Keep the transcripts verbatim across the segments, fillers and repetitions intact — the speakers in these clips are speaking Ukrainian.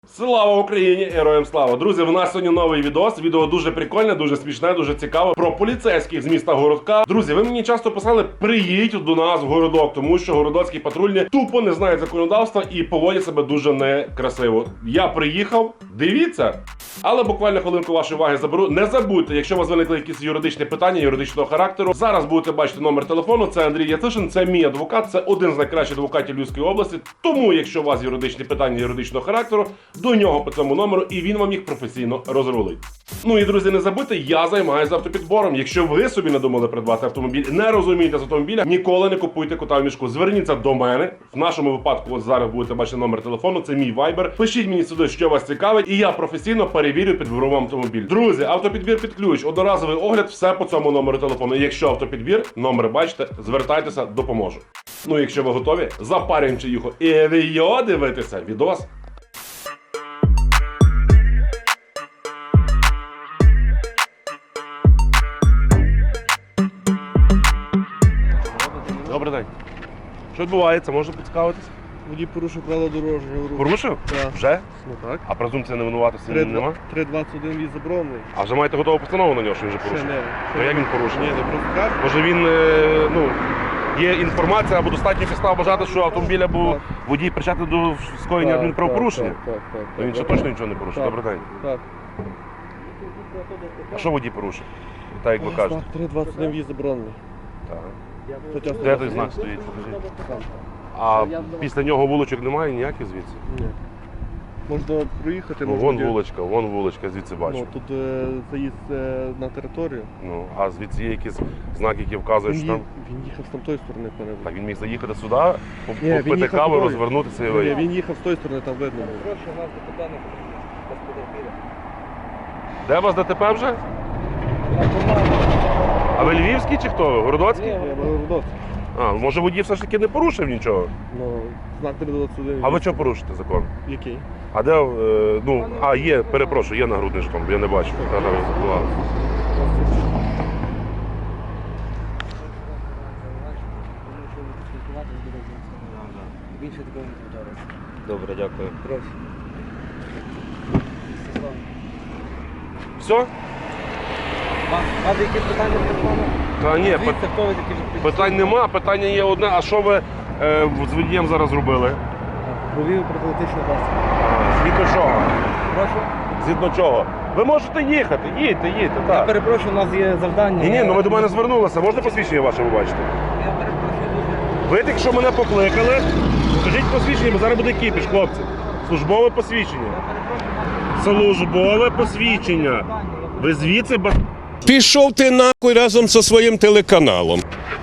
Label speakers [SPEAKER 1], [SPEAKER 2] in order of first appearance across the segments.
[SPEAKER 1] Слава Україні! Героям слава! Друзі, в нас сьогодні новий відос. Відео дуже прикольне, дуже смішне, дуже цікаве. Про поліцейських з міста Городка. Друзі, ви мені часто писали, приїдь до нас в Городок, тому що городоцькі патрульні тупо не знають законодавства і поводять себе дуже некрасиво. Я приїхав, дивіться. Але буквально хвилинку вашої уваги заберу. Не забудьте, якщо у вас виникли якісь юридичні питання, юридичного характеру. Зараз будете бачити номер телефону. Це Андрій Яцишин, це мій адвокат, це один з найкращих адвокатів Львівської області. Тому, якщо у вас юридичні питання юридичного характеру, до нього по цьому номеру і він вам їх професійно розрулить. Ну і, друзі, не забудьте, я займаюся автопідбором. Якщо ви собі не думали придбати автомобіль, не розумієте з автомобіля, ніколи не купуйте кота в мішку. Зверніться до мене. В нашому випадку, от зараз будете бачити номер телефону, це мій вайбер. Пишіть мені сюди, що вас цікавить, і я професійно перевірю, підберу вам автомобіль. Друзі, автопідбір під ключ, одноразовий огляд, все по цьому номеру телефону. І якщо автопідбір, номер бачите, звертайтеся, допоможу. Ну, якщо ви готові, запарюємо чаюху і ви дивитеся відос. Добрий день. Що відбувається? Можна поцікавитись?
[SPEAKER 2] Водій порушив правила дорожнього руху.
[SPEAKER 1] Порушив?
[SPEAKER 2] Так.
[SPEAKER 1] Вже?
[SPEAKER 2] Ну так.
[SPEAKER 1] А презумпція невинуватості нема?
[SPEAKER 2] три двадцять один в'їзд заборонений.
[SPEAKER 1] А вже маєте готову постанову на нього, що він вже
[SPEAKER 2] Ще
[SPEAKER 1] порушив?
[SPEAKER 2] не.
[SPEAKER 1] То як він порушив?
[SPEAKER 2] Ні, не просто так.
[SPEAKER 1] Може він, е, ну, є інформація або достатньо підстав вважати, що автомобіль або
[SPEAKER 2] Так.
[SPEAKER 1] водій причетний до скоєння адмінправопорушення?
[SPEAKER 2] Так, так, так.
[SPEAKER 1] То він ще
[SPEAKER 2] так,
[SPEAKER 1] точно нічого не порушив.
[SPEAKER 2] так.
[SPEAKER 1] Добрий день.
[SPEAKER 2] Так.
[SPEAKER 1] А що водій порушив? Так, як ви кажете.
[SPEAKER 2] три двадцять один в'їзд заборонений.
[SPEAKER 1] Так.
[SPEAKER 2] Стаття
[SPEAKER 1] Де той
[SPEAKER 2] сто
[SPEAKER 1] знак стоїть? Покажіть.
[SPEAKER 2] Там.
[SPEAKER 1] А після нього вуличок немає ніяких звідси?
[SPEAKER 2] Ні. Можна проїхати.
[SPEAKER 1] Ну,
[SPEAKER 2] можна
[SPEAKER 1] вон
[SPEAKER 2] ді-
[SPEAKER 1] вуличка, вон вуличка, звідси бачу.
[SPEAKER 2] Ну, тут е, заїзд е, на територію.
[SPEAKER 1] Ну, а звідси є якісь знаки, які вказують,
[SPEAKER 2] Він,
[SPEAKER 1] що
[SPEAKER 2] ї-
[SPEAKER 1] там...
[SPEAKER 2] він їхав з тамтої сторони, пане.
[SPEAKER 1] Так, він міг заїхати сюди, по-
[SPEAKER 2] Ні, він
[SPEAKER 1] попити
[SPEAKER 2] їхав
[SPEAKER 1] каву,
[SPEAKER 2] туди.
[SPEAKER 1] розвернутися і
[SPEAKER 2] Ні,
[SPEAKER 1] виїхати.
[SPEAKER 2] він їхав з тої сторони, там видно. було.
[SPEAKER 3] Прошу вас до питання без потерпілих.
[SPEAKER 1] Де у вас ДТП вже? А ви львівський чи хто ви? Городоцький?
[SPEAKER 2] Я Городоцький.
[SPEAKER 1] А, може водій все ж таки не порушив нічого?
[SPEAKER 2] Ну, знак три двадцять один.
[SPEAKER 1] А ви чого порушите закон?
[SPEAKER 2] Який?
[SPEAKER 1] А де, е, ну, а є, перепрошую, є нагрудний жетон, бо я не бачу. Та, та, забував.
[SPEAKER 3] Більше такого не повторюється.
[SPEAKER 4] Добре, дякую.
[SPEAKER 3] Прошу.
[SPEAKER 1] Все?
[SPEAKER 3] Вам вам якісь питання по телефону?
[SPEAKER 1] Та ні, пи-
[SPEAKER 3] Звідси, хто ви такі вже
[SPEAKER 1] питань нема, питання є одне, а що ви е, з водієм зараз зробили?
[SPEAKER 3] Провів профілактичну базу.
[SPEAKER 1] Згідно чого?
[SPEAKER 3] Прошу.
[SPEAKER 1] Згідно чого? Ви можете їхати, їдьте, їдьте,
[SPEAKER 3] Я
[SPEAKER 1] так.
[SPEAKER 3] перепрошую, у нас є завдання.
[SPEAKER 1] Ні, ні,
[SPEAKER 3] Я-
[SPEAKER 1] ну ви до мене звернулися, можна посвідчення ваше побачити?
[SPEAKER 3] Я перепрошую дуже.
[SPEAKER 1] Ви тільки що мене покликали, скажіть посвідчення, бо зараз буде кіпіш, хлопці. Службове посвідчення. Службове посвідчення. Ви звідси ба...
[SPEAKER 5] Пішов ти нахуй разом зі своїм телеканалом.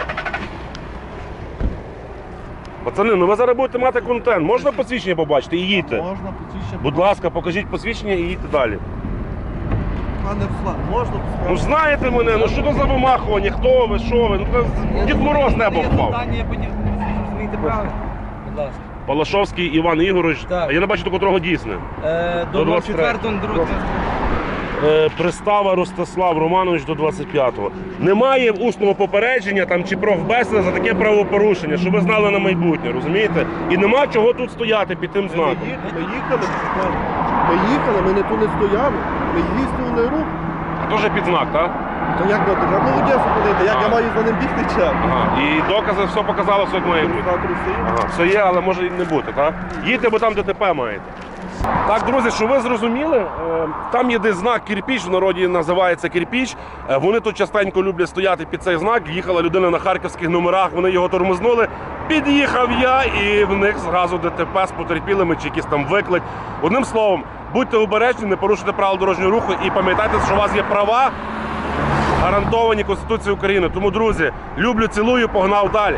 [SPEAKER 1] Пацани, ну ви зараз будете мати контент. Можна посвідчення побачити і їдьте?
[SPEAKER 2] Можна посвідчення.
[SPEAKER 1] Будь ласка, покажіть посвідчення і їдьте далі.
[SPEAKER 2] Пане Руслан, можна
[SPEAKER 1] Ну ж знаєте мене, ну що то за вимахування, хто ви, що ви? Ну це Дід Мороз небо
[SPEAKER 3] Є
[SPEAKER 1] впав.
[SPEAKER 3] завдання, я подів... Розумієте правильно? Будь ласка.
[SPEAKER 1] Палашовський Іван Ігорович,
[SPEAKER 3] Так.
[SPEAKER 1] а я не бачу до котрого дійсне.
[SPEAKER 3] Е,
[SPEAKER 1] До
[SPEAKER 3] до
[SPEAKER 1] двадцять третього.
[SPEAKER 3] двадцять четвертого, другого.
[SPEAKER 1] Е, Пристава Ростислав Романович до двадцять п'ятого. Немає усного попередження там чи профбесіда за таке правопорушення, щоб ви знали на майбутнє, розумієте? І нема чого тут стояти під тим
[SPEAKER 2] Ми
[SPEAKER 1] знаком.
[SPEAKER 2] їхали, ми їхали, ми їхали, ми не тут не стояли, ми здійснювали рух.
[SPEAKER 1] А то вже під знак, так?
[SPEAKER 2] То як ви треба молодець зупинити, як
[SPEAKER 1] А.
[SPEAKER 2] я маю за ним бігти чи?
[SPEAKER 1] Ага. І докази все показали, все як має бути.
[SPEAKER 2] Реєстратор стоїть.
[SPEAKER 1] Ага, все є, але може і не бути, так? Їдьте, бо там ДТП маєте. Так, друзі, що ви зрозуміли, е, там є десь знак кирпіч, в народі називається кирпіч. Е, Вони тут частенько люблять стояти під цей знак. Їхала людина на харківських номерах, вони його тормознули. Під'їхав я і в них зразу ДТП з потерпілими чи якийсь там виклик. Одним словом, будьте обережні, не порушуйте правил дорожнього руху і пам'ятайте, що у вас є права, гарантовані Конституцією України. Тому, друзі, люблю, цілую, погнав далі.